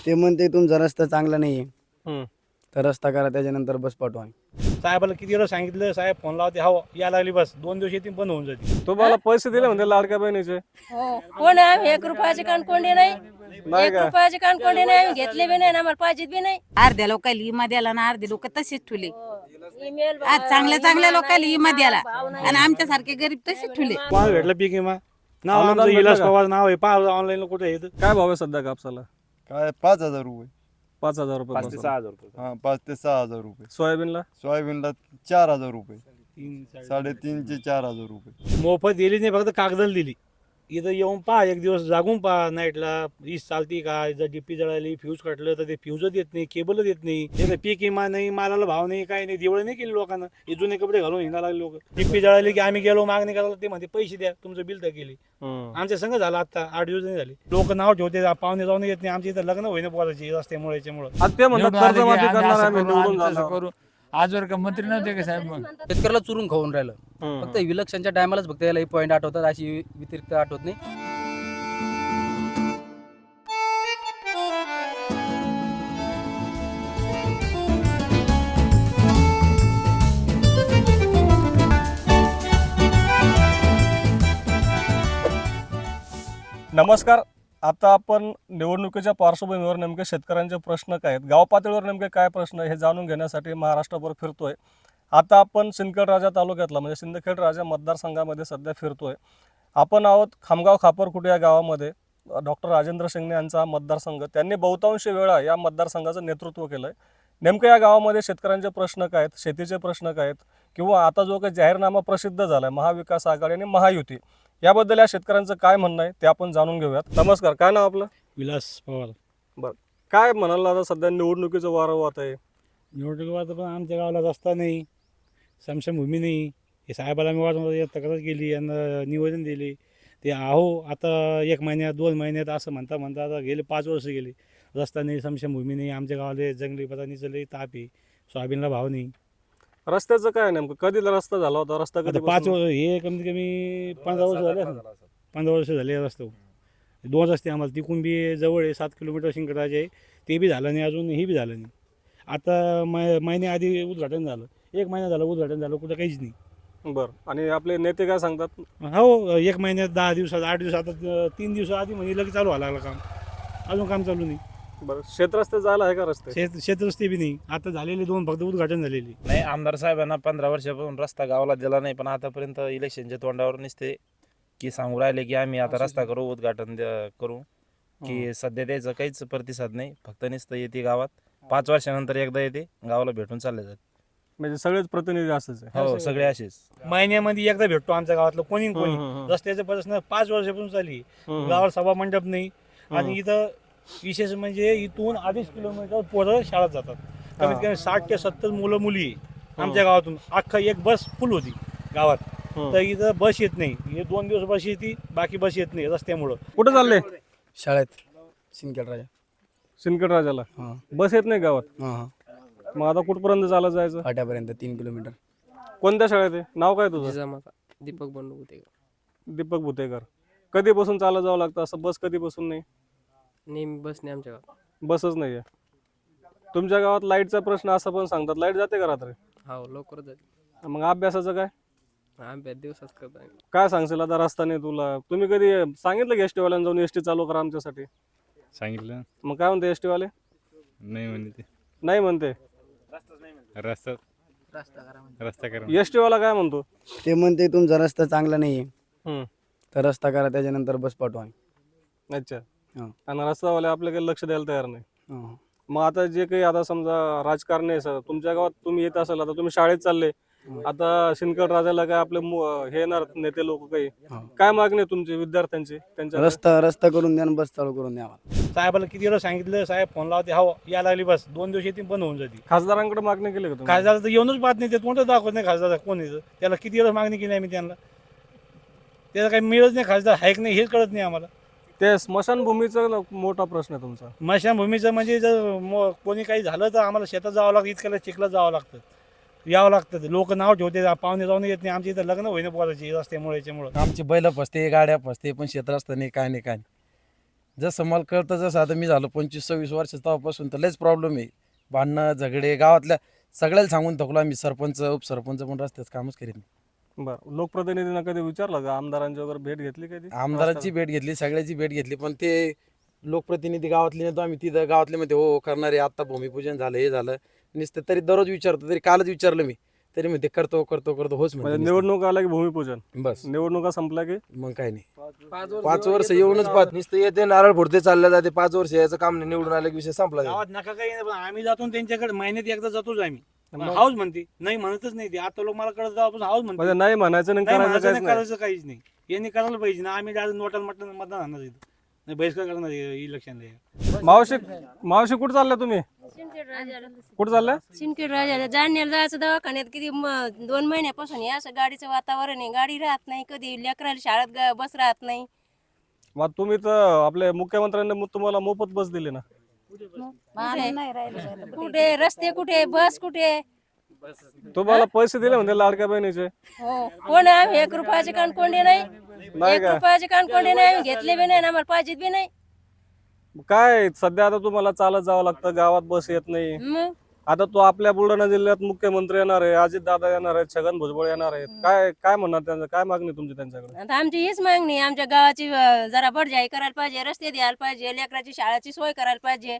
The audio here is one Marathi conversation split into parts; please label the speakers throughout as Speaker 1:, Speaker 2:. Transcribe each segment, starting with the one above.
Speaker 1: ते म्हणते तुमचा रस्ता चांगला नाही आहे,
Speaker 2: हम्म.
Speaker 1: तर रस्ता करा, त्याच्यानंतर बस पाठवा.
Speaker 3: साहेबाला किती वेळा सांगितलं, साहेब फोन लावते, हो या लागली बस 2 दिवस येते बंद होऊन जाते.
Speaker 2: तुम्हाला पैसे दिले म्हणते लाडक्या बहिणीचे?
Speaker 4: हो कोण आहे आम्ही 1 रुपयाचे कानकोंडे नाही, 1 रुपयाचे कानकोंडे नाही, आम्ही घेतले बी नाही आणि आम्हाला पाहिजेत बी नाही.
Speaker 5: अर्ध्या लोकांना इमा द्याला ना अर्धे लोक तसेच ठुले.
Speaker 4: ईमेल
Speaker 5: आज चांगल्या लोकांना इमा द्याला आणि आमच्यासारखे गरीब तसेच ठुले.
Speaker 3: कोणाला भेटलं पीक विमा नाव
Speaker 2: अनुदान
Speaker 3: आमचं
Speaker 2: भेटलं
Speaker 3: विलास
Speaker 2: का?
Speaker 3: पवार नाव आहे, पहा ऑनलाईन कुठे येतं.
Speaker 2: काय भाव आहे सध्या कापसाला?
Speaker 6: काय 5,000 रुपये.
Speaker 2: 5,000 रुपये
Speaker 3: 5 ते 6,000 रुपये.
Speaker 6: हा 5 ते 6,000 रुपये.
Speaker 2: सोयाबीनला
Speaker 6: सोयाबीनला 4,000 रुपये.
Speaker 3: 3-3.5
Speaker 6: 3.5 ते 4,000 रुपये.
Speaker 3: मोफत दिली नाही, फक्त कागदाला दिली. इथं येऊन पहा, एक दिवस जागून पहा नाईटला वीज चालती का, जर डीपी जळाली, फ्यूज कटलं तर ते फ्यूज देत नाही, केबल देत नाही. तिथं पीक विमा नाही, मालाला भाव नाही, काही नाही, दिवळ नाही केली लोकांना. हे जुने कपडे घालून हिंडा लागले लोक. डीपी जळाली की आम्ही गेलो मागणी करायला, ते म्हणते पैसे द्या, तुमचं बिल तर केली. आमच्या संघ झाला आता 8 दिवस नाही झाले. लोक नाव ठेवते, पाहुणे जाऊन येत नाही. आमच्या इथं लग्न होईना पोराची रस्त्यामुळे याच्यामुळे.
Speaker 2: आता ते म्हणतात कर्जमाफी करणार आहे, आम्ही निवडून जाणार.
Speaker 7: करू आजवर का मंत्री नव्हते का साहेब? मग
Speaker 8: शेतकऱ्याला चुरून खाऊन राहिलं. फक्त विलक्षणच्या टायमालाच फक्त याला पॉईंट आठवतात, अशी व्यतिरिक्त आठवत नाही.
Speaker 2: नमस्कार. आता आपण निवडणुकीच्या पार्श्वभूमीवर नेमके शेतकऱ्यांचे प्रश्न काय आहेत, गाव पातळीवर नेमके काय प्रश्न हे जाणून घेण्यासाठी महाराष्ट्रभर फिरतोय. आता आपण सिंदखेड तालुक्यातला म्हणजे सिंदखेड राजा मतदारसंघामध्ये सध्या फिरतोय. आपण आहोत खामगाव खापरकुटे या गावामध्ये. डॉक्टर राजेंद्र शिंगणे यांचा मतदारसंघ, त्यांनी बहुतांश वेळा या मतदारसंघाचं नेतृत्व केलं आहे. नेमकं या गावामध्ये शेतकऱ्यांचे प्रश्न काय आहेत, शेतीचे प्रश्न काय आहेत, किंवा आता जो काही जाहीरनामा प्रसिद्ध झाला आहे महाविकास आघाडी आणि महायुती, याबद्दल या शेतकऱ्यांचं काय म्हणणं आहे ते आपण जाणून घेऊयात. नमस्कार, काय नाव आपलं?
Speaker 3: विलास पवार.
Speaker 2: बरं, काय म्हणाल आता सध्या निवडणुकीचं वारं वाहत आहे?
Speaker 3: निवडणुकीवर पण आमच्या गावाला रस्ता नाही, समशमभूमी नाही. हे साहेबाला मी वाटून तक्रार केली, यांना निवेदन दिले. ते आहो आता 1 महिन्यात 2 महिन्यात असं म्हणता आता गेले 5 वर्ष गेले. रस्ता नाही, समशमभूमी नाही. आमच्या गावाला जंगली पदानी चालले, ताप आहे, सोयाबीनला भाव नाही.
Speaker 2: रस्त्याचं काय नेमकं, कधी रस्ता झाला होता? रस्ता
Speaker 3: आता
Speaker 2: कधी
Speaker 3: 5 वर्ष, हे कमीत कमी 15 वर्ष झाले. 15 वर्ष झाले रस्ता. 2 रस्ते आम्हाला, तिकून बी जवळ आहे 7 किलोमीटर शिंकडाचे आहे, ते बी झालं नाही अजून, हे बी झालं नाही. आता महिन्याआधी उद्घाटन झालं, 1 महिना झालं उद्घाटन झालं, कुठं काहीच नाही.
Speaker 2: बरं, आणि आपले नेते काय सांगतात?
Speaker 3: हो 1 महिन्यात 10 दिवसात 8 दिवसात, आता 3 दिवस आधी म्हणजे लगेच चालू व्हायला लागलं काम. अजून काम चालू नाही.
Speaker 2: बरं, शेतरस्ते जायला आहे का रस्ते?
Speaker 3: शेतरस्ते बी नाही. आता झालेले 2 फक्त उद्घाटन झालेले.
Speaker 9: नाही, आमदार साहेबांना 15 वर्षापासून रस्ता गावाला दिला नाही, पण आतापर्यंत इलेक्शनच्या तोंडावर नसते की सांगू राहिले की आम्ही आता रस्ता करू, उद्घाटन करू, की सध्या त्याचा काहीच प्रतिसाद नाही. फक्त नुसतं येते गावात, 5 वर्षानंतर एकदा येते, गावाला भेटून चालले जाते.
Speaker 2: म्हणजे सगळेच प्रतिनिधी असंच आहे?
Speaker 9: हो, सगळे असेच.
Speaker 3: महिन्यामध्ये एकदा भेटतो आमच्या गावातलं कोणी रस्त्याचं प्रश्न 5 वर्षापासून चालली. गावात सभा मंडप नाही. आणि इथं विशेष म्हणजे इथून 2.5 किलोमीटर पोरं शाळेत जातात. कमीत कमी 60 ते 70 मुलं मुली आमच्या गावातून. अख्खा एक बस फुल होती गावात. तर इथं बस येत नाही. हे 2 दिवस बस येते, बाकी बस येत नाही रस्त्यामुळं.
Speaker 2: कुठं चालले?
Speaker 1: शाळेत सिंदखेड राजा.
Speaker 2: सिंदखेड राजाला
Speaker 1: हां
Speaker 2: बस येत नाही गावात?
Speaker 1: हां
Speaker 2: मग आता कुठपर्यंत चालत जायचं?
Speaker 1: फाट्यापर्यंत 3 किलोमीटर.
Speaker 2: कोणत्या शाळेत आहे? नाव काय तुझं?
Speaker 8: दीपक बंडू होते.
Speaker 2: दीपक भुतेकर. कधीपासून चालत जावं लागतं असं? बस कधीपासून नाही?
Speaker 8: नेहमी बस नाही आमच्या गावात.
Speaker 2: बसच नाही आहे. तुमच्या गावात लाईटचा प्रश्न असं पण सांगतात, लाईट जाते का रात्री?
Speaker 8: हो, लवकर जाते.
Speaker 2: मग अभ्यासाचं काय?
Speaker 8: आम्ही दिवसाच करतो.
Speaker 2: काय सांगशील आता? रस्ता नाही तुला. तुम्ही कधी सांगितलं की एसटी वाल्यांना जाऊन एसटी चालू करा आमच्यासाठी?
Speaker 10: सांगितलं.
Speaker 2: मग काय म्हणते एसटी वाले?
Speaker 10: नाही म्हणते.
Speaker 2: नाही म्हणते.
Speaker 10: रस्ता करा.
Speaker 2: एसटी वाला काय म्हणतो?
Speaker 1: ते म्हणते तुमचा रस्ता चांगला नाही आहे,
Speaker 2: हम्म.
Speaker 1: तर रस्ता करा, त्याच्यानंतर बस पाठवा.
Speaker 2: अच्छा.
Speaker 1: हां.
Speaker 2: आणि रस्तावाले आपल्याकडे लक्ष द्यायला तयार नाही.
Speaker 1: हां.
Speaker 2: मग आता जे काही आता समजा राजकारण आहे सर, तुमच्या गावात तुम्ही येत असाल, आता तुम्ही शाळेत चालले, आता सिंदखेड राजाला काय आपले हे येणार नेते लोक काही, काय मागणी आहे तुमची विद्यार्थ्यांची? त्यांच्या
Speaker 1: रस्ता करून द्या, बस चालू करून द्या.
Speaker 3: साहेबाला किती वेळा सांगितलं, साहेब फोन लावते, हो या लागली बस 2 दिवस येते बंद होऊन जाते.
Speaker 2: खासदारांकडे मागणी केली का तुम्ही?
Speaker 3: खासदार तर येऊनच पाहत नाही. ते कोणतं दाखवत नाही खासदार कोण येतं. त्याला किती वेळा मागणी केली आम्ही त्यांना, त्याला काही मिळत नाही. खासदार आहे की नाही हेच कळत नाही आम्हाला.
Speaker 2: ते स्मशानभूमीचा मोठा प्रश्न आहे तुमचा.
Speaker 3: स्मशानभूमीचं म्हणजे जर कोणी काही झालं तर आम्हाला शेतात जावं लागतं, इतक्याला चिखलात जावं लागतं, यावं लागतं. लोक नाव ठेवते, पाहुणे जाऊन येत नाही. आमच्या इथं लग्न होईना पोराची रस्त्यामुळे, याच्यामुळे
Speaker 8: आमची बैल फसते, गाड्या फसते, पण शेत रस्ता नाही, काय नाही. जसं मला कळतं तसं आता मी झालो 25-26 वर्ष तेव्हापासून तर लयच प्रॉब्लेम आहे. भांडणं झगडे गावातल्या सगळ्याला सांगून थकलो आम्ही. सरपंच उपसरपंच पण रस्त्याचं कामच करीत नाही.
Speaker 2: बरं, लोकप्रतिनिधींना कधी विचारलं का, आमदारांची वगैरे भेट घेतली कधी?
Speaker 8: आमदारांची भेट घेतली, सगळ्याची भेट घेतली, पण ते लोकप्रतिनिधी गावातले नेतो आम्ही तिथं गावातले मध्ये हो करणारे आता भूमिपूजन झालं हे झालं नुसतं तरी दररोज विचारतो. तरी कालच विचारलं मी तरी म्हणते करतो करतो करतो होच
Speaker 2: म्हणजे
Speaker 8: म्हणजे
Speaker 2: निवडणूक आल्या की भूमिपूजन,
Speaker 8: बस
Speaker 2: निवडणुका संपल्या की
Speaker 8: मग काय नाही. 5 वर्ष येऊनच पाहत नुसतं येते नारळ फोडते चाललं जाते. 5 वर्ष याचं काम नाही, निवडून आलं की विषय संपला.
Speaker 3: गावात नका काही नाही, पण आम्ही जातो त्यांच्याकडे महिन्यात एकदा जातोच आम्ही. हाऊस म्हणते नाही, म्हणतच नाही ते. आता लोक मला कळत जाऊन हाऊस म्हणते.
Speaker 2: म्हणजे नाही म्हणायचं नाही,
Speaker 3: नाही
Speaker 2: करायचं
Speaker 3: म्हणायचं
Speaker 2: काहीच
Speaker 3: नाही,
Speaker 2: नाही.
Speaker 3: करायचं काहीच नाही. यांनी करायला पाहिजे ना. आम्ही डायरेक्ट नोटाला मतदान आणणार इथं. नाही बहिष्कार करणार इलेक्शनला.
Speaker 2: मावशी कुठं चालल्या तुम्ही? कुठं चालल्या?
Speaker 4: सिंदखेड राजाला जाण्याला जायचं दवाखान्यात किती 2 महिन्यापासून हे असं गाडीचं वातावरण आहे. गाडी राहत नाही, कधी लेकराला शाळेत बस राहत नाही.
Speaker 2: मग तुम्ही तर आपले मुख्यमंत्र्यांनी तुम्हाला मोफत बस दिली ना.
Speaker 4: कुठे रस्ते, कुठे बस, कुठे
Speaker 2: तुम्हाला पैसे दिले म्हणते लाडक्या बहिणीचे.
Speaker 4: हो कोण आम्ही 1 रुपयाचे कानकोंडे नाही. 1 रुपयाचे कानकोंडे नाही आम्ही घेतले बी नाही आणि आम्हाला पाहिजेत बी नाही.
Speaker 2: काय सध्या आता तुम्हाला चालत जावं लागतं, गावात बस येत नाही.
Speaker 4: मग
Speaker 2: आता तो आपल्या बुलढाणा जिल्ह्यात मुख्यमंत्री येणार आहे, अजित दादा येणार आहेत, छगन भुजबळ येणार आहेत. काय काय म्हणणार त्यांचं, काय मागणी तुमची त्यांच्याकडे?
Speaker 4: आता आमची हीच मागणी आहे. आमच्या गावाची जरा बडजाई करायला पाहिजे, रस्ते द्यायला पाहिजे, लेकराची शाळेची सोय करायला पाहिजे.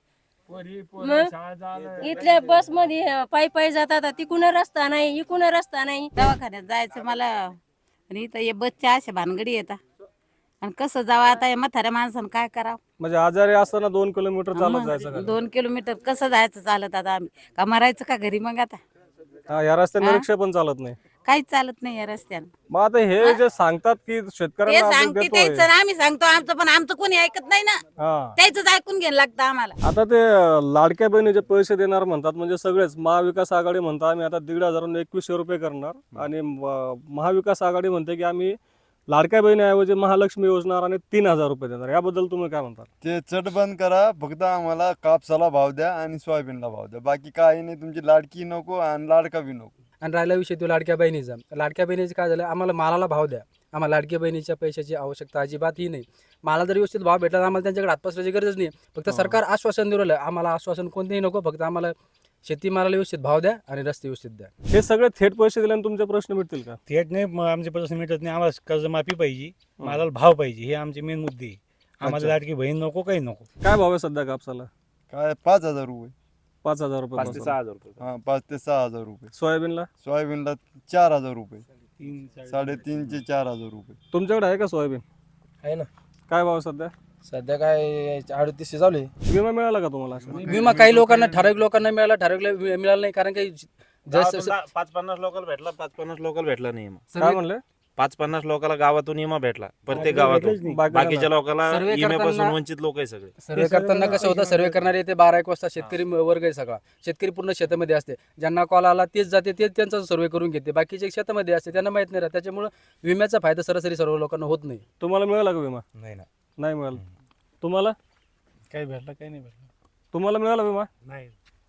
Speaker 4: मग इथल्या बस मध्ये पायी पायी जातात, तिकून रस्ता नाही, इकून रस्ता नाही.
Speaker 5: दवाखान्यात जायचं मला आणि इथं हे बसच्या अशा भानगडी येतात आणि कसं जावं आता या म्हाताऱ्या माणसानं काय करावं.
Speaker 2: म्हणजे आजारी असताना 2 किलोमीटर चालत जायचं का?
Speaker 5: 2 किलोमीटर कसं जायचं चालत आता आम्ही का मरायचं का घरी. मग आता
Speaker 2: हा, या रस्त्याने रिक्षा पण चालत नाही.
Speaker 5: काहीच चालत नाही या रस्त्यानं.
Speaker 2: मग आता हे जे सांगतात की
Speaker 5: ते
Speaker 2: शेतकऱ्यांना आपण
Speaker 5: सांगते
Speaker 2: देतोय.
Speaker 5: त्याचं आणि आम्ही सांगतो आमचं, पण आमचं कोणी ऐकत नाही ना.
Speaker 2: हा,
Speaker 5: त्याच ऐकून घ्यायला लागतं आम्हाला.
Speaker 2: आता ते लाडक्या बहिणीचे पैसे देणार म्हणतात, म्हणजे सगळेच. महाविकास आघाडी म्हणतात आम्ही आता 1,500 2100 रुपये करणार, आणि महाविकास आघाडी म्हणते की आम्ही लाडक्या बहिणीऐवजी महालक्ष्मी योजना आणि 3,000 रुपये देणार. याबद्दल तुम्ही काय म्हणतात?
Speaker 6: ते चट बंद करा, फक्त आम्हाला कापसाला भाव द्या आणि सोयाबीनला भाव द्या. बाकी काही नाही. तुमची लाडकी नको आणि लाडका बी नको.
Speaker 8: आणि राहिला विषय तो लाडक्या बहिणीचा. लाडक्या बहिणीचं काय झालं, आम्हाला मालाला भाव द्या. आम्हाला लाडक्या बहिणीच्या पैशाची आवश्यकता अजिबात ही नाही. मला जर व्यवस्थित भाव भेटला तर आम्हाला त्यांच्याकडे हात पसरायची गरज नाही. फक्त सरकार आश्वासन देऊ राहिलं, आम्हाला आश्वासन कोणतेही नको. फक्त आम्हाला शेतीमालाला व्यवस्थित भाव द्या आणि रस्ते व्यवस्थित द्या.
Speaker 2: हे सगळे थेट पैसे दिल्याने तुमचे प्रश्न मिटतील का?
Speaker 3: थेट नाही, आमचे प्रश्न मिटत नाही. आम्हाला कर्जमाफी पाहिजे, मालाला भाव पाहिजे, हे आमचे मेन मुद्दे आहे. आम्हाला
Speaker 2: अच्छा.
Speaker 3: लाडकी बहीण नको, काही नको.
Speaker 2: काय भाव आहे सध्या कापसाला?
Speaker 6: काय 5,000 रुपये.
Speaker 2: 5,000 रुपये
Speaker 9: 5 ते
Speaker 2: पासून.
Speaker 9: 6,000 रुपये.
Speaker 6: हा, 5 ते 6,000 रुपये.
Speaker 2: सोयाबीनला?
Speaker 6: सोयाबीनला 4,000 रुपये.
Speaker 3: 3-4,000.
Speaker 6: 3.5 ते 4,000 रुपये.
Speaker 2: तुमच्याकडे आहे का सोयाबीन?
Speaker 8: आहे ना.
Speaker 2: काय भाव आहे सध्या?
Speaker 8: सध्या काय 3800 चालू आहे.
Speaker 2: विमा मिळाला का तुम्हाला?
Speaker 8: विमा काही लोकांना ठराविक लोकांना मिळाला, ठराविक मिळाला नाही. कारण काही
Speaker 9: गावातून 5-50 लोकल भेटला, 5-50 लोकल भेटला नाही विमा.
Speaker 2: काय म्हणले?
Speaker 9: 5-50 लोकांना गावातून विमा भेटला, प्रत्येक
Speaker 3: भेटलंच
Speaker 9: गावातून.
Speaker 3: नाही.
Speaker 9: बाकीच्या लोकांना
Speaker 8: सर्वे
Speaker 9: विम्यापासून
Speaker 8: करताना-
Speaker 9: वंचित लोक आहे सगळे.
Speaker 8: सर्वे करताना कसं होतं, सर्वे करणारे ते 12-1 वाजता शेतकरी वर्ग आहे सगळा. शेतकरी पूर्ण शेतामध्ये असते. ज्यांना कॉल आला तेच जाते, तेच त्यांचा सर्वे करून घेते. बाकीचे शेतामध्ये असते, त्यांना माहित नाही राहत. त्याच्यामुळे विम्याचा फायदा सरासरी सर्व लोकांना होत नाही.
Speaker 2: तुम्हाला मिळाला का विमा?
Speaker 8: नाही ना.
Speaker 2: नाही मिळाला. तुम्हाला?
Speaker 3: काही भेटलं, काही नाही भेटलं.
Speaker 2: तुम्हाला मिळाला विमा?
Speaker 3: नाही,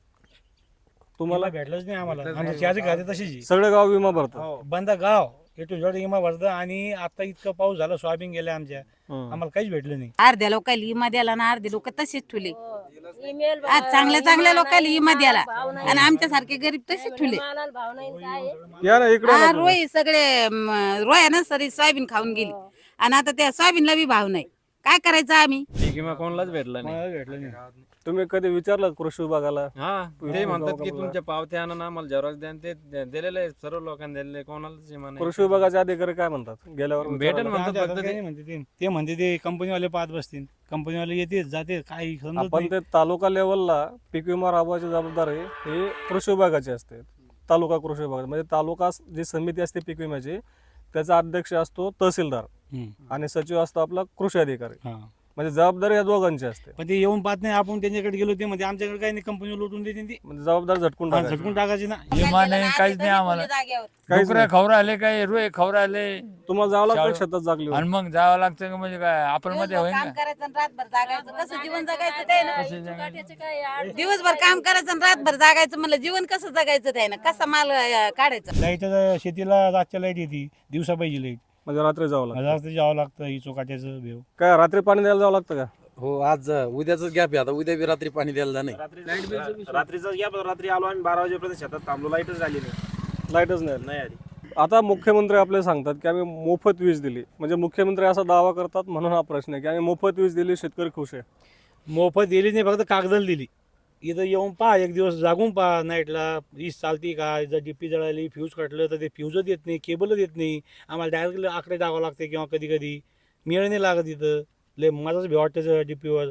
Speaker 2: तुम्हाला?
Speaker 3: भेटलंच नाही आम्हाला. आमच्या चहाची खाते तशीच आहे.
Speaker 2: सगळे गाव विमा भरतात.
Speaker 3: बंद गाव टू झेड विमा भरतं. आणि आता इतकं पाऊस झाला, सोयाबीन गेल्या आमच्या, आम्हाला काहीच भेटलं नाही.
Speaker 5: अर्ध्या लोकांना विमा द्याला ना, अर्धे लोक तसेच ठुले.
Speaker 4: ईमेल
Speaker 5: आज चांगल्या लोकांना विमा द्याला
Speaker 4: भाव नाही.
Speaker 5: आणि आमच्यासारखे गरीब तसेच ठुले.
Speaker 4: मालाला भाव नाही, काय आहे?
Speaker 2: या ना इकडे.
Speaker 5: हा रोई सगळे रोया ना सरी सोयाबीन खाऊन गेली आणि आता त्या सोयाबीनला बी भाव नाही. काय करायचं आम्ही?
Speaker 10: विमा कोणालाच भेटला नाही.
Speaker 3: मला भेटलं नाही.
Speaker 2: तुम्ही कधी विचारलं कृषी विभागाला?
Speaker 10: हा, ते म्हणतात की तुमच्या पावत्या आणा ना, आम्हाला झेरॉक्स द्या. आणि ते दिलेले आहे, सर्व लोकांना दिलेले, कोणालाच विमा नाही.
Speaker 2: कृषी विभागाचे अधिकारी काय म्हणतात गेल्यावर?
Speaker 10: भेटेल
Speaker 2: विचारायला?
Speaker 10: म्हणतात
Speaker 3: आमच्या
Speaker 10: फक्त
Speaker 3: हातात काही नाही म्हणते ते. ते म्हणते ते कंपनीवाले पाहत बसतील. कंपनीवाले येते जाते, काही समजत
Speaker 2: आपण
Speaker 3: नाही.
Speaker 2: ते तालुका लेवलला पीक विमा राबवायची जबाबदारी हे कृषी विभागाची असते. तालुका कृषी विभाग म्हणजे तालुका जी समिती असते पीक विम्याची, त्याचा अध्यक्ष असतो तहसीलदार आणि सचिव असतो आपला कृषी अधिकारी.
Speaker 3: हा.
Speaker 2: म्हणजे जबाबदारी या दोघांची असते.
Speaker 3: पण ते येऊन पाहत नाही. आपण त्यांच्याकडे गेलो ते म्हणजे आमच्याकडे काही नाही, कंपनी लुटून देते ती.
Speaker 2: म्हणजे जबाबदार झटकून
Speaker 3: हा,
Speaker 2: टाकायची.
Speaker 3: झटकून टाकायची ना.
Speaker 7: विमा नाही, काहीच नाही आम्हाला.
Speaker 2: काहीच
Speaker 7: डुकरं खवर आले, काही रोय खवर आले
Speaker 2: तुम्हाला जावं लागतं
Speaker 7: शाळा-
Speaker 2: शेतात जागली.
Speaker 7: आणि मग जावं लागतं का? म्हणजे काय आपण मध्ये होईल
Speaker 5: काम
Speaker 7: का?
Speaker 5: करायचं आणि रातभर जागायचं, कसं जीवन जगायचं ते ना.
Speaker 4: चुकाट्याचं काय आहे?
Speaker 5: दिवसभर काम करायचं आणि रातभर जागायचं, म्हणलं जीवन कसं जगायचं ते ना, कसा माल काढायचा.
Speaker 3: लाईट शेतीला रातच्या लाईट येते, दिवसा पाहिजे लाईट.
Speaker 2: म्हणजे रात्री जावं लागतं.
Speaker 3: रात्री जावं लागतं. ही चोकाट्याचं भेव.
Speaker 2: काय रात्री पाणी द्यायला जावं लागतं का?
Speaker 8: हो आज उद्याच गॅप आहे आता उद्या बी रात्री पाणी द्यायला नाही.
Speaker 9: रात्रीचा गॅप रात्री आलो आम्ही 12 वाजेपर्यंत शेतात थांबलो, लाईटच झाली
Speaker 2: लाईटच नाही.
Speaker 9: नाही आली.
Speaker 2: आता मुख्यमंत्री आपले सांगतात की आम्ही मोफत वीज दिली, म्हणजे मुख्यमंत्री असा दावा करतात म्हणून हा प्रश्न आहे की आम्ही मोफत वीज दिली, शेतकरी खुश आहे.
Speaker 3: मोफत दिली नाही, फक्त कागदाला दिली. इथं येऊन पहा, एक दिवस जागून पहा नाईटला वीज चालती का, जर डीपी जळाली फ्यूज कटलं तर ते फ्यूज देत नाही, केबल देत नाही. आम्हाला डायरेक्ट आकडे टाकावं लागते किंवा कधी कधी मेळ नाही लागत. इथं लय मजाच भी वाटतं डीपीवर.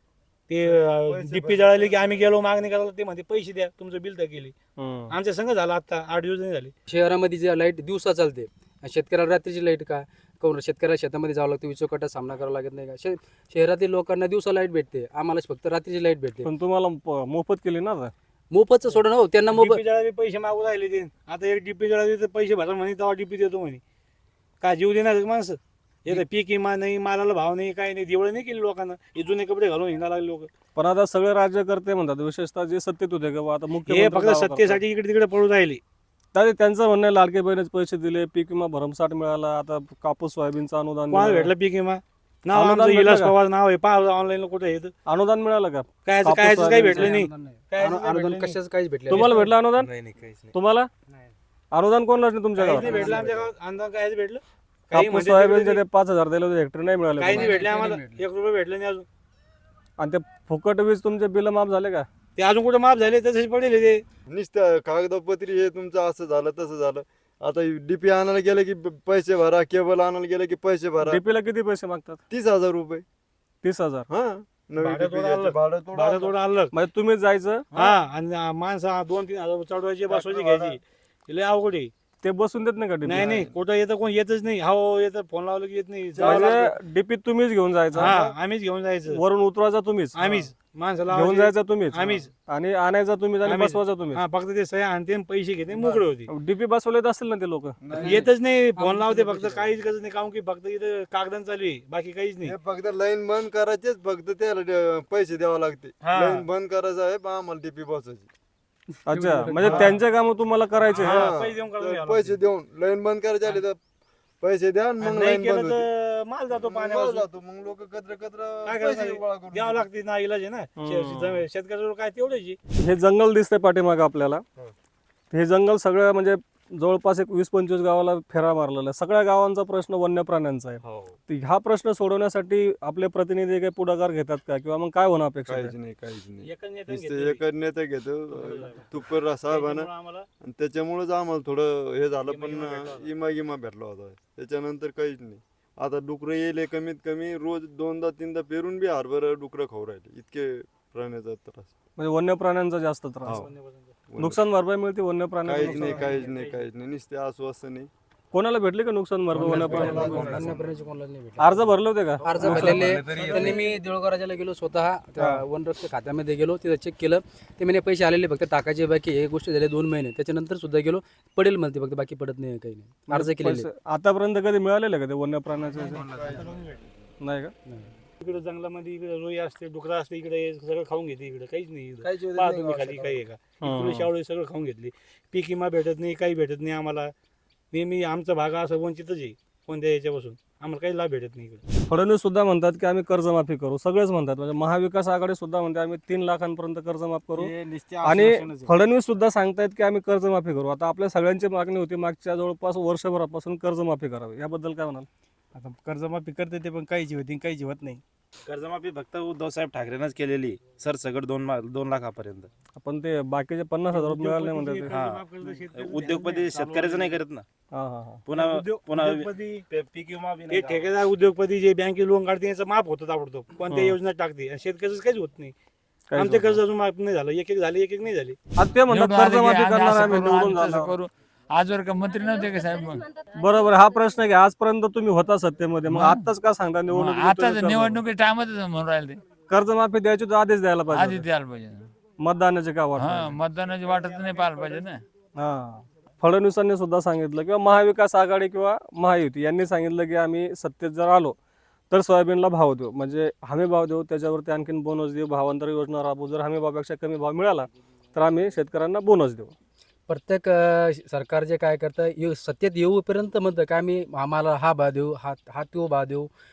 Speaker 3: ते डीपी जळाली की आम्ही गेलो मागणी करायला, ते म्हणते पैसे द्या, तुमचं बिल तर केली. आमच्या संघ झालं आता 8 दिवस नाही झाले.
Speaker 8: शहरामध्ये जे लाईट दिवसा चालते आणि शेतकऱ्याला रात्रीची लाईट का काऊन शेतकऱ्याला शेतामध्ये जावं लागतं, विचोकाटा सामना करावा लागत नाही का. शहरातील लोकांना दिवसा लाईट भेटते, आम्हाला फक्त रात्रीची लाईट भेटते.
Speaker 2: पण तुम्हाला मोफत केली ना आता.
Speaker 8: मोफतचं सोडून हो त्यांना
Speaker 3: डीपी जळाली पैसे मागू राहिले ते. आता एक डीपी जळाली तर पैसे भरा म्हणे, तेव्हा डीपी देतो म्हणे. काय जीव देणार माणसं? येतं पीक विमा नाही, मालाला भाव नाही, काही नाही. दिवळ नाही केली लोकांना, हे जुने कपडे घालून हिंडा लागले लोक.
Speaker 2: पण आता सगळे राज्यकर्ते म्हणतात, विशेषतः जे सत्तेत होते किंवा आता
Speaker 3: हे
Speaker 2: मुख्यमंत्री
Speaker 3: फक्त
Speaker 2: दावा करतात.
Speaker 3: सत्तेसाठी इकडे तिकडे पळून राहिले.
Speaker 2: तर त्यांचं म्हणणं आहे लाडके बहिणीचे पैसे दिले, पीक विमा भरमसाठ मिळाला, आता कापूस सोयाबीनचं अनुदान
Speaker 3: कोणाला
Speaker 2: मिळालं.
Speaker 3: भेटलं पीक विमा? नाव
Speaker 2: अनुदान
Speaker 3: आमचं
Speaker 2: भेटलं
Speaker 3: इलाज
Speaker 2: का?
Speaker 3: पवार नाव आहे, पहा ऑनलाईन कुठे येतं.
Speaker 2: अनुदान मिळालं का?
Speaker 3: काय
Speaker 2: कापूस
Speaker 3: काय काही
Speaker 2: सोयाबीनचं
Speaker 3: भेटलं नाही. काय
Speaker 8: अनुदान कशाच काहीच भेटले
Speaker 2: तुम्हाला भेटलं अनुदान?
Speaker 3: नाही.
Speaker 2: तुम्हाला अनुदान कोणालाच नाही तुमच्या
Speaker 3: काहीच
Speaker 2: गावात?
Speaker 3: नाही भेटलं आमच्या गावात. अंदाज कायच भेटलं? काही
Speaker 2: कापूस
Speaker 3: म्हणजे
Speaker 2: सोयाबीनचे
Speaker 3: तिकडे
Speaker 2: ते 5,000 दिले होते, हेक्टर नाही मिळाले
Speaker 3: काही नाही
Speaker 2: कोणाला.
Speaker 3: भेटले आम्हाला. 1 रुपये भेटलं नाही अजून.
Speaker 2: आणि ते फुकट वीज तुमचे बिल माफ झाले का?
Speaker 3: ते अजून कुठे माफ झाले, तसेच पडेल ते.
Speaker 6: नुसतं कागदपत्री हे तुमचं असं झालं तसं झालं. आता डीपी आणायला गेलं की पैसे भरा, केबल आणायला गेलं की पैसे भरा.
Speaker 2: डीपीला किती पैसे मागतात?
Speaker 6: 30,000 रुपये.
Speaker 2: 30,000.
Speaker 6: हा नवी
Speaker 3: भाडं
Speaker 6: DP
Speaker 3: थोडं
Speaker 6: घ्यायचं,
Speaker 3: आलं.
Speaker 6: भाडं थोडं
Speaker 3: भाडं
Speaker 6: आलं.
Speaker 3: थोडं आलं.
Speaker 2: म्हणजे तुम्ही जायचं,
Speaker 3: हा, आणि माणसं 2-3 हजार चढवायची, बसवायची, घ्यायची. लय अवघड आहे.
Speaker 2: ते बसून देत नाही का
Speaker 3: नाही
Speaker 2: डीपी?
Speaker 3: कुठं येतं, कोण येतच नाही. हो येतं, फोन लावलं की येत नाही. जावं लागतं.
Speaker 2: म्हणजे डीपी तुम्हीच घेऊन जायचं,
Speaker 3: हा, आम्हीच घेऊन जायचं.
Speaker 2: वरून उतरवायचा तुम्हीच,
Speaker 3: आम्हीच माणसाला
Speaker 2: घेऊन
Speaker 3: लावायची.
Speaker 2: जायचं तुम्हीच,
Speaker 3: आम्हीच.
Speaker 2: आणि आणायचा तुम्हीच आणि
Speaker 3: आम्हीच.
Speaker 2: बसवायचा तुम्हीच.
Speaker 3: हा, फक्त ते सह्या आणते आणि पैसे घेते, मोकळे होते.
Speaker 2: डीपी बसवलेत असेल ना ते लोक?
Speaker 3: येतच नाही, फोन लावते फक्त, काहीच गरज नाही. काम की फक्त इथं कागदान चालू आहे, बाकी काहीच नाही.
Speaker 6: हे फक्त लाईन बंद करायचेच, फक्त त्याला पैसे द्यावे लागते.
Speaker 3: हा.
Speaker 6: लाईन बंद करायचं आहे, बा आम्हाला डीपी बसायची.
Speaker 2: अच्छा, म्हणजे त्यांचे काम तुम्हाला करायचे.
Speaker 3: हा,
Speaker 6: हा.
Speaker 3: पैसे देऊन काढून
Speaker 6: तर
Speaker 3: घ्यावं
Speaker 6: पैसे
Speaker 3: लागते.
Speaker 6: देऊन लाईन बंद करायचे आले तर पैसे द्या आणि
Speaker 3: आणि
Speaker 6: मग
Speaker 3: नाही
Speaker 6: लाईन
Speaker 3: केलं
Speaker 6: बंद होते.
Speaker 3: तर माल जातो
Speaker 6: मग
Speaker 3: पाण्यावर.
Speaker 6: जातो, मग लोक कचरा
Speaker 3: काय
Speaker 6: पैसे
Speaker 3: करणार?
Speaker 6: गोळा करून
Speaker 3: द्यावं
Speaker 6: देतात.
Speaker 3: लागते ना, इलाज आहे ना. शेतकऱ्याजवळ काय तेवढ्याची.
Speaker 2: हे जंगल दिसतंय पाठीमागं आपल्याला. हे जंगल सगळं म्हणजे जवळपास एक 20-25 गावाला फेरा मारलेला आहे. सगळ्या गावांचा प्रश्न वन्य प्राण्यांचा आहे. तर ह्या प्रश्न सोडवण्यासाठी आपले प्रतिनिधी काही पुढाकार घेतात का, किंवा मग काय होणं अपेक्षित
Speaker 6: काहीच
Speaker 2: आहे?
Speaker 6: नाही, काहीच नाही.
Speaker 3: एकच नेत्याने
Speaker 6: नुसतं
Speaker 3: घेतलेली.
Speaker 6: एकच नेता घेतो तुपर साहेबानं,
Speaker 3: त्याच्यामुळं आम्हाला
Speaker 6: आणि त्याच्यामुळेच आम्हाला थोडं हे झालं.
Speaker 3: इमा भेटला
Speaker 6: पण इमा भेटला होता. त्याच्यानंतर काहीच नाही. आता डुकरं येले कमीत कमी रोज 2दा-3दा पेरून बी हरभर डुकरं खाऊ राहिले. इतके प्राण्याचा त्रास.
Speaker 2: म्हणजे वन्य प्राण्यांचा जास्त त्रास.
Speaker 6: हो.
Speaker 2: नुकसान भरपाई मिळते वन्य प्राण्यांना?
Speaker 6: काहीच नाही, काहीच नाही, काहीच नाही. नुसते आश्वासन नाही.
Speaker 2: कोणाला भेटले का नुकसान भरपाई वन्य प्राण्यांना?
Speaker 8: अन्नप्राण्याचे कोणाला नाही भेटले.
Speaker 2: अर्ज भरले होते का?
Speaker 8: अर्ज भरलेले त्यांनी. मी देऊळगाव राजाला गेलो स्वतः, त्या वनरक्षक खात्यामध्ये गेलो, तिथं चेक केलं. ते म्हणे पैसे आलेले, फक्त टाकायचे बाकी. हे गोष्ट झाली 2 महिने. त्याच्यानंतर सुद्धा गेलो, पडेल म्हणते, फक्त बाकी पडत नाही, काही नाही. अर्ज केलेले.
Speaker 2: पैसे आतापर्यंत कधी मिळालेले का ते वन्य प्राण्याचे? नाही का?
Speaker 3: इकडे जंगलामध्ये इकडे रोई असते, डुकरा असते, इकडे सगळं खाऊन घेते. इकडे काहीच नाही.
Speaker 8: काहीच
Speaker 3: इकडे
Speaker 8: नाही,
Speaker 3: पहा तुम्ही खाली काही आहे का? इकडे शावळे सगळं खाऊन घेतली. पीक विमा भेटत नाही, काही भेटत नाही आम्हाला. नेहमी आमचा भाग असा वंचितच आहे कोणत्या याच्यापासून. आम्हाला काही लाभ भेटत नाही इकडे.
Speaker 2: फडणवीस सुद्धा म्हणतात की आम्ही कर्जमाफी करू. सगळेच म्हणतात, म्हणजे महाविकास आघाडी सुद्धा म्हणते आम्ही 3 लाखांपर्यंत कर्जमाफ करू. आणि फडणवीस सुद्धा सांगतायत की आम्ही कर्जमाफी करू. आता आपल्या सगळ्यांची मागणी होती मागच्या जवळपास वर्षभरापासून कर्जमाफी करावी. याबद्दल काय म्हणाल?
Speaker 10: आता कर्जमाफी करते ते, पण काहीची होती काहीची होत नाही.
Speaker 9: कर्जमाफी फक्त उद्धव साहेब ठाकरेनंच केलेली सरसकट 2 लाखापर्यंत.
Speaker 2: आपण ते बाकीचे 50,000 रुपये मिळाले नाही म्हणतात ते.
Speaker 9: हा, उद्योगपती शेतकऱ्याचं नाही करत ना.
Speaker 2: हा हा हा.
Speaker 9: पुन्हा
Speaker 3: उद्योगपती,
Speaker 9: पीक विमा बी
Speaker 3: हे
Speaker 9: नाही.
Speaker 3: ठेकेदार उद्योगपती जे बँकेत लोन काढते याचं माफ होतं ताबडतोब. कोणत्या योजना टाकते, आणि शेतकऱ्याचं काहीच होत नाही. आमचे कर्ज अजून माफ नाही झालं. एक झाले, एक नाही झाले.
Speaker 2: आता ते म्हणतात कर्जमाफी करणार आम्ही निवडून झालो.
Speaker 7: करू. आजवर का मंत्री नव्हते का साहेब? मग
Speaker 2: बरोबर, हा प्रश्न आहे की आजपर्यंत तुम्ही होता सत्तेमध्ये, मग आताच का सांगता
Speaker 7: आता
Speaker 2: निवडणूक?
Speaker 7: निवडणुकी टायमातच म्हणून राहिले ते.
Speaker 2: कर्जमाफी द्यायची तर आधीच द्यायला
Speaker 7: आधी
Speaker 2: पाहिजे.
Speaker 7: द्यायला पाहिजे.
Speaker 2: मतदानाचे का वाटत?
Speaker 7: हा, मतदानाची वाटत नाही पाहायला पाहिजे ना.
Speaker 2: हा. फडणवीसांनी सुद्धा सांगितलं, किंवा महाविकास आघाडी किंवा महायुती यांनी सांगितलं की आम्ही सत्तेत जर आलो तर सोयाबीनला भाव देऊ, म्हणजे हमी भाव देऊ, त्याच्यावरती आणखीन बोनस देऊ, भावांतर योजना राबवू. जर हमी भावापेक्षा कमी भाव मिळाला तर आम्ही शेतकऱ्यांना बोनस देऊ.
Speaker 8: प्रत्येक सरकार जे काय करतं, सत्तेत येऊपर्यंत म्हणतं का आम्ही आम्हाला हा भाव देऊ, हा तो भाव देऊ.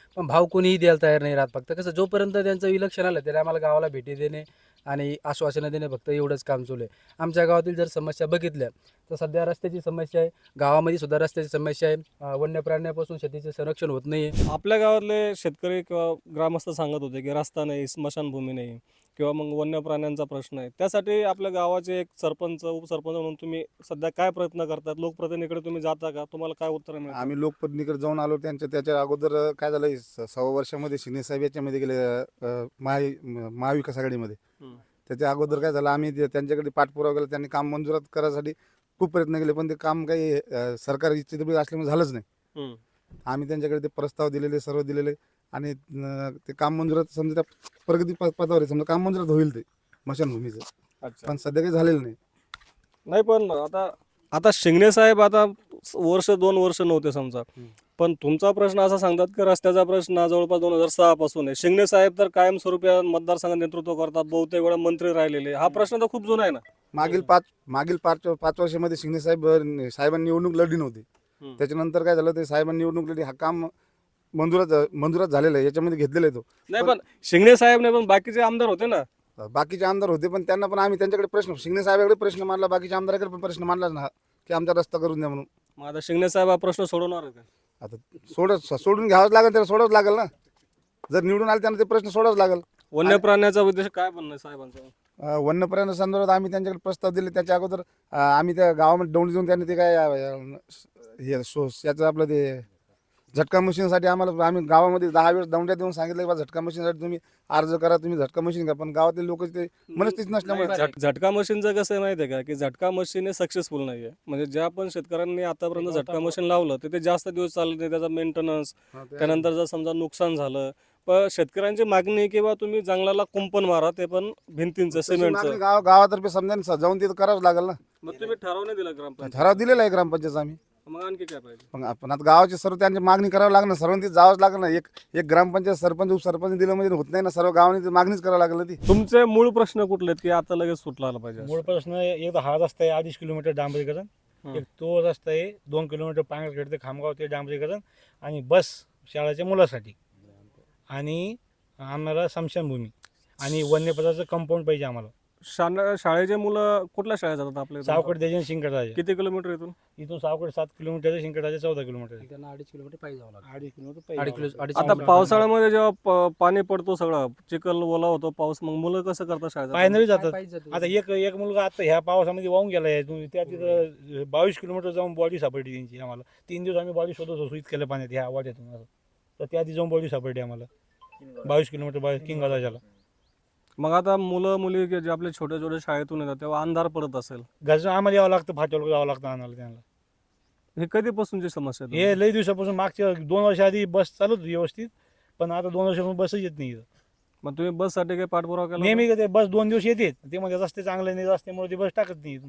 Speaker 8: पण भाव कोणीही द्यायला तयार नाही राहत. फक्त कसं जोपर्यंत त्यांचं इलेक्शन आलं तरी आम्हाला गावाला भेटी देणे आणि आश्वासनं देणे, फक्त एवढंच काम चालू आहे. आमच्या गावातील जर समस्या बघितल्या तर सध्या रस्त्याची समस्या आहे, गावामध्ये सुद्धा रस्त्याची समस्या आहे, वन्य प्राण्यापासून शेतीचे संरक्षण होत नाही आहे.
Speaker 2: आपल्या गावातले शेतकरी किंवा ग्रामस्थ सांगत होते की रस्ता नाही, स्मशानभूमी नाही किंवा मग वन्य प्राण्यांचा प्रश्न आहे. त्यासाठी आपल्या गावाचे एक सरपंच उपसरपंच म्हणून तुम्ही सध्या काय प्रयत्न करतात? लोकप्रतिनिधीकडे तुम्ही जाता का? तुम्हाला काय उत्तर मिळतं?
Speaker 11: आम्ही लोकप्रतिनिधीकडे जाऊन आलो. त्याच्या अगोदर काय झालं, 6 वर्षामध्ये शिंदे साहेब याच्यामध्ये गेले महाविकास आघाडीमध्ये.
Speaker 2: हम्म.
Speaker 11: त्याच्या अगोदर काय झालं, आम्ही त्यांच्याकडे पाठपुरावा केला. त्यांनी काम मंजुरात करायसाठी खूप प्रयत्न केले, पण ते काम काही सरकार इच्छित असल्यामुळे झालंच नाही.
Speaker 2: हम्म.
Speaker 11: आम्ही त्यांच्याकडे ते प्रस्ताव दिलेले, सर्व दिलेले, आणि ते काम मंजुरात समजा त्या प्रगती पदावर आहे, समजा काम मंजुरात होईल ते स्मशानभूमीचं,
Speaker 2: अच्छा.
Speaker 11: पण सध्या काही झालेलं नाही.
Speaker 2: नाही, पण आता शिंगणे साहेब आता वर्ष 2 वर्ष नव्हते समजा, पण तुमचा प्रश्न असा सांगतात की रस्त्याचा प्रश्न जवळपास 2006 पासून आहे. शिंगणे साहेब तर कायमस्वरूपी मतदारसंघात नेतृत्व करतात, बहुतेक वेळा मंत्री राहिलेले. हा प्रश्न तर खूप जुना आहे ना.
Speaker 11: मागील पाच वर्षामध्ये शिंदे साहेबांनी निवडणूक लढली नव्हती.
Speaker 2: हम्म.
Speaker 11: त्याच्यानंतर काय झालं, ते साहेबांनी निवडणूक लढली, हा काम मंजुरात झालेलं आहे, याच्यामध्ये घेतलेला आहे तो.
Speaker 2: नाही, पण शिंगणे साहेब नाही, पण बाकीचे आमदार होते ना.
Speaker 11: बाकीचे आमदार होते, पण त्यांना पण आम्ही त्यांच्याकडे प्रश्न, शिंदे साहेबांकडे प्रश्न मांडला, बाकीच्या आमदाराकडे पण प्रश्न मांडलाच ना की आमचा रस्ता करून द्या म्हणून.
Speaker 2: मग आता शिंगणे साहेब हा प्रश्न सोडवणार आहे का?
Speaker 11: आता सोडून घ्यावंच लागेल, त्याला सोडावंच लागेल ना. जर निवडून आले त्यांना ते प्रश्न सोडावंच लागेल.
Speaker 2: वन्य प्राण्याचा उद्देश काय बनणार साहेबांचा?
Speaker 11: वन्य प्राणी संदर्भात आम्ही त्यांच्याकडे प्रस्ताव दिले. त्याच्या अगोदर आम्ही त्या गावामध्ये दौंड देऊन त्यांनी ते काय याचं आपलं ते झटका मशीनसाठी आम्ही गावामध्ये 10 वेळेस दौंड्या देऊन सांगितलं की बा झटका मशीनसाठी तुम्ही अर्ज करा, तुम्ही झटका मशीन घ्या, पण गावातील लोक ते मनस्थिती नसल्यामुळे.
Speaker 2: झटका मशीनचं कसं आहे माहिती आहे का, की झटका मशीन हे सक्सेसफुल नाही आहे. म्हणजे ज्या पण शेतकऱ्यांनी आतापर्यंत झटका मशीन लावलं ते जास्त दिवस चालत नाही, त्याचा मेंटेनन्स, त्यानंतर जर समजा नुकसान झालं, पण शेतकऱ्यांची मागणी आहे की बा तुम्ही जंगलाला कुंपण मारा, ते पण भिंतींचं, सिमेंटचं.
Speaker 11: गावातर्फे समजा जाऊन तिथं करावंच लागेल ना.
Speaker 2: मग तुम्ही ठराव नाही दिला ग्रामपंचायत?
Speaker 11: ठराव दिलेला आहे ग्रामपंचायत आम्ही.
Speaker 2: मग आणखी काय पाहिजे?
Speaker 11: पण आपण आता गावाचे सर्व त्यांची मागणी करावं लागणार, सर्वांनी जावंच लागलं ना. एक ग्रामपंचायत सरपंच उपसरपंच दिलं म्हणजे होत नाही ना, सर्व गावांनी मागणीच करावं लागलं ती.
Speaker 2: तुमचे मूळ प्रश्न कुठले आहेत की आता लगेच सुटला आला पाहिजे?
Speaker 3: मूळ प्रश्न एक हा रस्ता आहे 2.5 किलोमीटर डांबरीकरण, एक तो रस्ता आहे 2 किलोमीटर पांगरखेड ते खामगाव ते डांबरीकरण, आणि बस शाळेच्या मुलासाठी, आणि आम्हाला स्मशानभूमी आणि वन्यपदाचं कंपाऊंड पाहिजे आम्हाला.
Speaker 2: शाळेचे मुलं कुठल्या शाळेत जातात आपल्या?
Speaker 3: सावकड देजन शिंकटराजे.
Speaker 2: किती किलोमीटर इथून
Speaker 3: सावकड 7 किलोमीटर, शिंकटराजे 14 किलोमीटर.
Speaker 8: त्यांना 2.5 किलोमीटर पाहिजे जावं लागतं.
Speaker 3: 2.5 किलोमीटर
Speaker 8: अडीच
Speaker 3: पाहिजे.
Speaker 8: अडीच
Speaker 2: आता
Speaker 8: किलोमीटर.
Speaker 2: पावसाळ्यामध्ये जेव्हा पाणी पडतो, सगळं चिखल ओला होतो, पाऊस, मग मुलं कसं करतात शाळेत?
Speaker 3: पायनरी जातात.
Speaker 8: पायीच जातो.
Speaker 3: आता एक मुलगा आता ह्या पावसामध्ये वाहून गेलाय, त्या तिथं 22 किलोमीटर जाऊन बॉडी सापडली त्यांची. आम्हाला 3 दिवस आम्ही बॉडी शोधत होतो इतक्या पाण्यात ह्या वाट्यातून असं. तर त्या आधी जाऊन बॉडी सापडली आम्हाला 22 किलोमीटर किंगराजाला.
Speaker 2: मग आता मुलं मुली जे आपले छोटे छोटे शाळेतून येतात तेव्हा अंधार पडत असेल,
Speaker 3: घरचं आम्हाला यावं लागतं, फाट्यावर जावं लागतं आणायला त्यांना.
Speaker 2: हे कधीपासूनची समस्या आहे?
Speaker 3: हे लई दिवसापासून, मागच्या 2 वर्ष आधी बस चालत होती व्यवस्थित, पण आता 2 वर्षापासून बसच येत नाही इथं.
Speaker 2: मग तुम्ही बससाठी काही पाठपुरावा केला?
Speaker 3: नेहमी ते बस 2 दिवस येते, ते म्हणजे रस्ते चांगले नाही, रस्त्यामुळे ती बस टाकत नाही.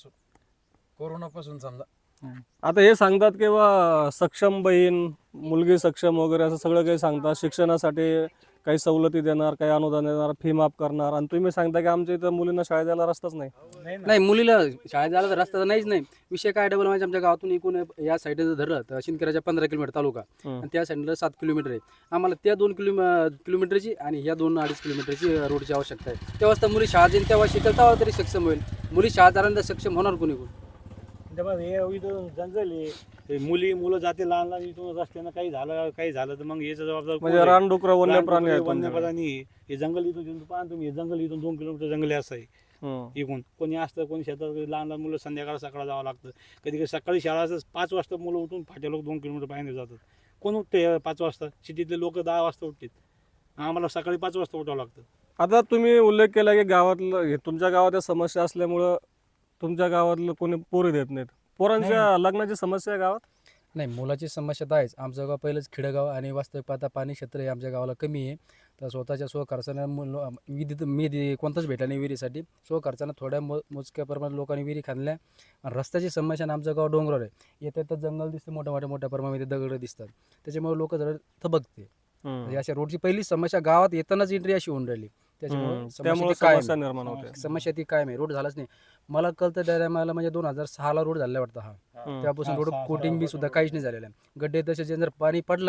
Speaker 8: कोरोनापासून समजा
Speaker 2: आता हे सांगतात की बा सक्षम बहीण, मुलगी सक्षम वगैरे असं सगळं काही सांगतात. शिक्षणासाठी काही सवलती देणार, काही अनुदान देणार, फी माफ करणार, आणि तुम्ही सांगता की आमच्या इथं मुलींना शाळेत जायला रस्ताच नाही.
Speaker 8: नाही, मुलीला शाळेत जायला तर रस्ता तर नाहीच नाही. विषय काय डबल म्हणजे आमच्या गावातून एकूण या साईडला धरलं तर शिंदखेडच्या 15 किलोमीटर तालुका, आणि त्या साईडला 7 किलोमीटर आहे. आम्हाला त्या 2 किलोमीटरची आणि ह्या 2-2.5 किलोमीटरची रोडची आवश्यकता आहे. तेव्हाच तर मुली शाळा जाईल, तेव्हा शिकेल, तेव्हा तरी सक्षम होईल. मुली शाळा जाणार सक्षम होणार कोणी कोण?
Speaker 3: हे इथं जंगल आहे, मुलं जाते लहान लहान, इथून रस्त्यानं काही झालं तर मग याचं जबाबदार कोण
Speaker 2: म्हणजे
Speaker 3: आहे?
Speaker 2: रानडुकरं, वन्य प्राणी आहेत
Speaker 3: वन्य
Speaker 2: तुमच्याकडे.
Speaker 3: प्राणी आहे. हे जंगल इथून पाहा तुम्ही, हे जंगल इथून 2 किलोमीटर जंगल आहे असं आहे. इकडून कोणी असतं, कोणी शेतात, लहान लहान मुलं संध्याकाळ सकाळ जावं लागतं. कधी कधी सकाळी शाळा असं 5 वाजता मुलं उठून फाट्या लोक 2 किलोमीटर बाहेर जातात. कोण उठते 5 वाजता? सिटीतले लोक 10 वाजता उठतात, आम्हाला सकाळी 5 वाजता उठावं लागतं.
Speaker 2: आता तुम्ही उल्लेख केला की गावातलं, तुमच्या गावात समस्या असल्यामुळं तुमच्या गावातलं कोणी पोरी देत नाहीत. पोरांच्या लग्नाची समस्या आहे गावात?
Speaker 8: नाही, मुलाची समस्या तर आहेच. आमचं गाव पहिलंच खेडेगाव आणि वास्तविक पाहता पाणी क्षेत्र हे आमच्या गावाला कमी आहे. तर स्वतःच्या खर्चानं विधी कोणताच भेटला नाही विहिरीसाठी. खर्चानं थोड्या मोजक्या प्रमाणात लोकांनी विहिरी खाल्ल्या. आणि रस्त्याची समस्या आमचं गाव डोंगरावर आहे. येतं तर जंगल दिसतं, मोठ्या प्रमाणामध्ये दगड दिसतात, त्याच्यामुळे लोक जरा थबकते. अशा रोडची पहिली समस्या गावात येतानाच एंट्री अशी होऊन राहिली, त्यामुळे
Speaker 2: समस्या निर्माण होते.
Speaker 8: समस्या ती काय आहे, रोड झालाच नाही. मला कळतं त्या टायमाला म्हणजे 2006ला रोड झाला वाटतं हा. त्यापासून रोड कोटिंग बी सुद्धा काहीच नाही झालेलं आहे. गड्डे तसे जर पाणी पडला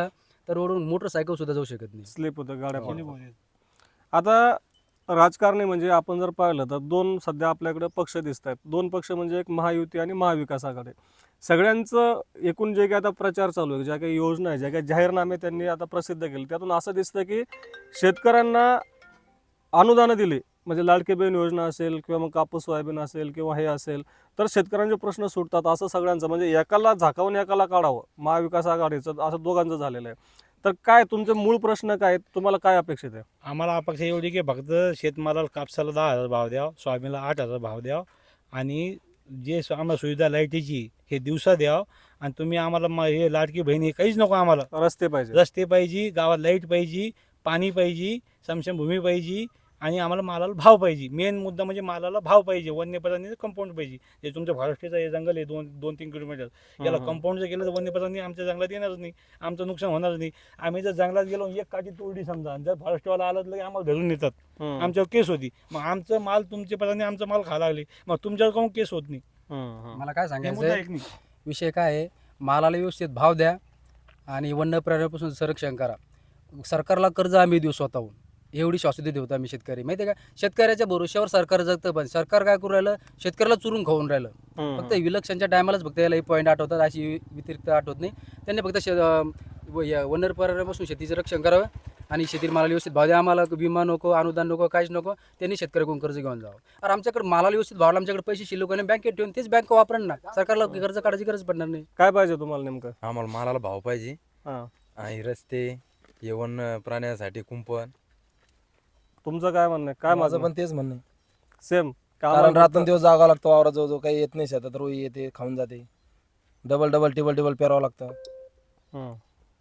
Speaker 8: तर रोडवरून मोटरसायकल सुद्धा जाऊ शकत नाही.
Speaker 2: स्लिप होतं गाड्या
Speaker 3: कोणी
Speaker 2: पण.
Speaker 3: बोलेल.
Speaker 2: आता राजकारणी म्हणजे आपण जर पाहिलं तर दोन सध्या आपल्याकडे पक्ष दिसत आहेत. दोन पक्ष म्हणजे एक महायुती आणि महाविकास आघाडी. सगळ्यांचं एकूण जे काही आता प्रचार चालू आहे, ज्या काही योजना आहे, ज्या काही जाहीरनामे त्यांनी आता प्रसिद्ध केले, त्यातून असं दिसतं की शेतकऱ्यांना अनुदानं दिली, म्हणजे लाडकी बहीण योजना असेल किंवा मग कापूस सोयाबीन असेल किंवा हे असेल, तर शेतकऱ्यांचे प्रश्न सुटतात असं सगळ्यांचं, म्हणजे एकाला झाकावून एकाला काढावं, महाविकास आघाडीचं असं दोघांचं झालेलं आहे. तर काय तुमचे मूळ प्रश्न काय आहेत? तुम्हाला काय अपेक्षित आहे?
Speaker 3: आम्हाला अपेक्षा एवढी की फक्त शेतमालाला कापसाला 10,000 भाव द्यावा, सोयाबीनला 8,000 भाव द्यावा आणि जे आम्हाला सुविधा लाईटीची हे दिवसा द्यावं आणि तुम्ही आम्हाला हे लाडकी बहीण हे काहीच नको आम्हाला.
Speaker 2: रस्ते पाहिजे.
Speaker 3: रस्ते पाहिजे, गावात लाईट पाहिजे, पाणी पाहिजे, समशमभूमी पाहिजे आणि आम्हाला मालाला भाव पाहिजे. मेन मुद्दा म्हणजे मालाला भाव पाहिजे. वन्यप्राणी कंपाऊंड पाहिजे. जे तुमच्या फॉरेस्टचं हे जंगल आहे 2-3 किलोमीटर, याला कंपाऊंड जर केलं तर वन्यप्राणी आमच्या जंगलात येणारच नाही, आमचं नुकसान होणार नाही. आम्ही जर जंगलात गेलो एक काठी तोडली समजा, जर फॉरेस्टवाला आलं तर आम्हाला धरून येतात, आमच्यावर केस होती. मग आमचं माल तुमचे प्राणी आमचा माल खायला लागले, मग तुमच्यावर काहून केस होत नाही?
Speaker 8: मला काय
Speaker 3: हे
Speaker 8: सांगायचं
Speaker 3: मुद्दा
Speaker 8: आहे,
Speaker 3: एक नाही.
Speaker 8: विषय काय आहे, मालाला व्यवस्थित भाव द्या आणि वन्य प्राण्यापासून संरक्षण करा. सरकारला कर्ज आम्ही देऊ स्वतःहून, एवढी शाश्वती देऊ आम्ही शेतकरी. माहिती आहे का, शेतकऱ्याच्या भरोश्यावर सरकार जगतं, पण सरकार काय करू राहिलं, शेतकऱ्याला चुरून खाऊन राहिलं. फक्त विलक्षणच्या टायमालाच फक्त याला पॉईंट आठवतात, अशी व्यतिरिक्त आठवत नाही. त्यांनी फक्त वन्य प्राण्यापासून शेतीचं रक्षण करावं आणि शेतीला मालाला व्यवस्थित भाव द्या. आम्हाला विमा नको, अनुदान नको, काहीच नको. त्यांनी शेतकऱ्याकडून कर्ज घेऊन जावं. अरे आमच्याकडे मालाला व्यवस्थित भाव, आमच्याकडे पैसे शिल्लक आणि बँकेत ठेवून तेच बँक वापरण ना, सरकारला कर्ज काढायची गरज पडणार नाही.
Speaker 2: काय पाहिजे तुम्हाला नेमकं?
Speaker 10: आम्हाला मालाला भाव पाहिजे
Speaker 2: हां,
Speaker 10: आणि रस्ते, येवन प्राण्यासाठी कुंपण.
Speaker 2: तुमचं काय म्हणणं आहे? काय
Speaker 9: माझं
Speaker 2: माझं
Speaker 9: पण तेच म्हणणं आहे.
Speaker 2: सेम
Speaker 9: कारण रात्रंदिवस जागावं लागतं वावरात, जो काही येत नाही शेतात, रोई येते खाऊन जाते, डबल टिबल पेरावं लागतं.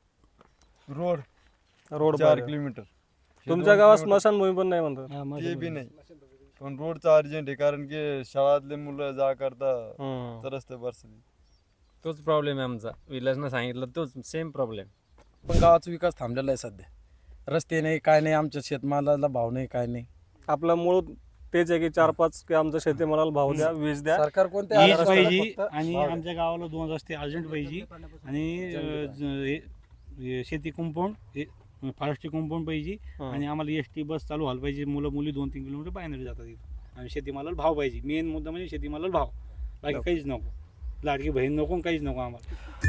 Speaker 6: रोड
Speaker 2: रोड
Speaker 6: 4 किलोमीटर
Speaker 2: तुमच्या गावात स्मशानभूमी पण नाही म्हणतात.
Speaker 6: ते बी नाही, पण रोडचा अर्जंट आहे, कारण की शाळातले मुलं जा करता तरच ते परिस्थिती.
Speaker 10: तोच प्रॉब्लेम आहे आमचा. विलासनं सांगितलं तोच सेम प्रॉब्लेम.
Speaker 1: पण गावाचा विकास थांबलेला आहे सध्या. रस्ते नाही, काय नाही, आमच्या शेतमालाला भाव नाही, काय नाही.
Speaker 2: आपला मूळ तेच आहे की 4-5 की आमच्या शेतीमालाला भाव द्या, वीज द्या.
Speaker 8: सरकार कोणत्या
Speaker 3: वीज
Speaker 8: आधारावर
Speaker 3: पाहिजे
Speaker 8: फक्त
Speaker 3: आणि
Speaker 8: भाव द्या.
Speaker 3: आमच्या गावाला 2 रस्ते अर्जंट पाहिजे आणि शेती कंपाऊंड, फॉरेस्टची कंपाऊंड पाहिजे आणि आम्हाला एसटी बस चालू व्हायला पाहिजे. मुलं मुली 2-3 किलोमीटर बाहेर जातात इथं आणि शेतीमालाला भाव पाहिजे. मेन मुद्दा म्हणजे शेतीमालाला भाव, बाकी काहीच नको. लाडकी बहीण नको, काहीच नको आम्हाला.